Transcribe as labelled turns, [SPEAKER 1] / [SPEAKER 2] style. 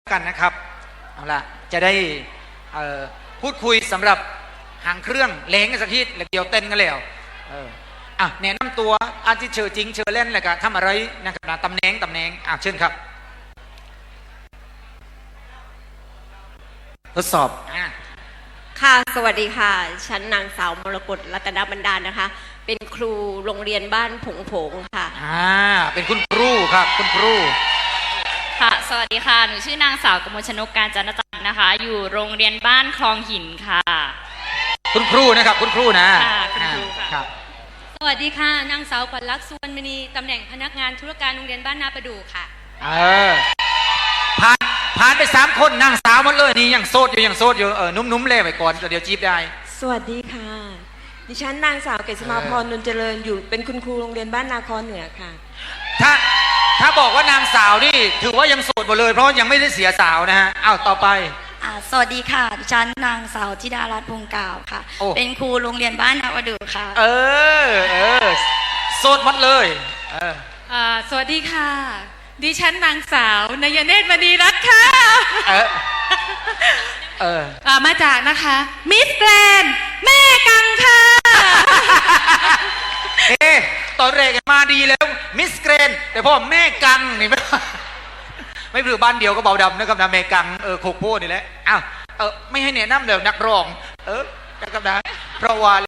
[SPEAKER 1] กันนะครับเอาละจะได้พูดคุยสำหรับหางเครื่องเล้งกันสักทีแล้วเดี๋ยวเต้นกันแล้วแนะนำตัวอาทิเชอจริงเชอเล่นอะไรกันทำอะไรนะครับตำแหน่งเชิญครับทดสอบ
[SPEAKER 2] ค่ะสวัสดีค่ะฉันนางสาวมรกตรัตนบรรดาลนะคะเป็นครูโรงเรียนบ้านผงผงค่ะ
[SPEAKER 1] เป็นคุณครูครับคุณครู
[SPEAKER 3] ค่ะสวัสดีค่ะหนูชื่อนางสาวกมลชนกการจันทจักรนะคะอยู่โรงเรียนบ้านคลองหินค่ะ
[SPEAKER 1] คุณครูนะครับคุณครูนะ
[SPEAKER 3] คุณครูค่ะ
[SPEAKER 4] ครับสวัสดีค่ะนางสาวขวัญลักษณ์สุวรรณมณีตำแหน่งพนักงานธุรการโรงเรียนบ้านนาประดู่ค่ะ
[SPEAKER 1] ผ่านไป3 คนนางสาวหมดเลยนี่ยังโสดอยู่นุ่มๆเล่ไปก่อนเดี๋ยวจีบได้
[SPEAKER 5] สวัสดีค่ะดิฉันนางสาวเกษมาพรนนเจริญอยู่เป็นคุณครูโรงเรียนบ้านนาคอเหนือค่ะ
[SPEAKER 1] ถ้าบอกว่านางสาวนี่ถือว่ายังโสดหมดเลยเพราะยังไม่ได้เสียสาวนะฮะต่อไป
[SPEAKER 6] สวัสดีค่ะดิฉันนางสาวธิดารัตน์พงกาวค่ะเป็นครูโรงเรียนบ้านนาประดู่ค่ะ
[SPEAKER 1] โสดหมดเลย
[SPEAKER 4] สวัสดีค่ะดิฉันนางสาวนายเนตรมณีรัตน์ค่ะมาจากนะคะมิสแกรนด์แม่กังค่ะ
[SPEAKER 1] ตอนแรกมาดีแล้วมิสแกรนด์แต่พ่อแม่กังนี่ไม่หรือบ้านเดียวก็เบาดำนะครับนะแม่กังโคกโพนี่แหละไม่ให้แนะนำเดี๋ยวนักร้องนะครับนะเพราะว่า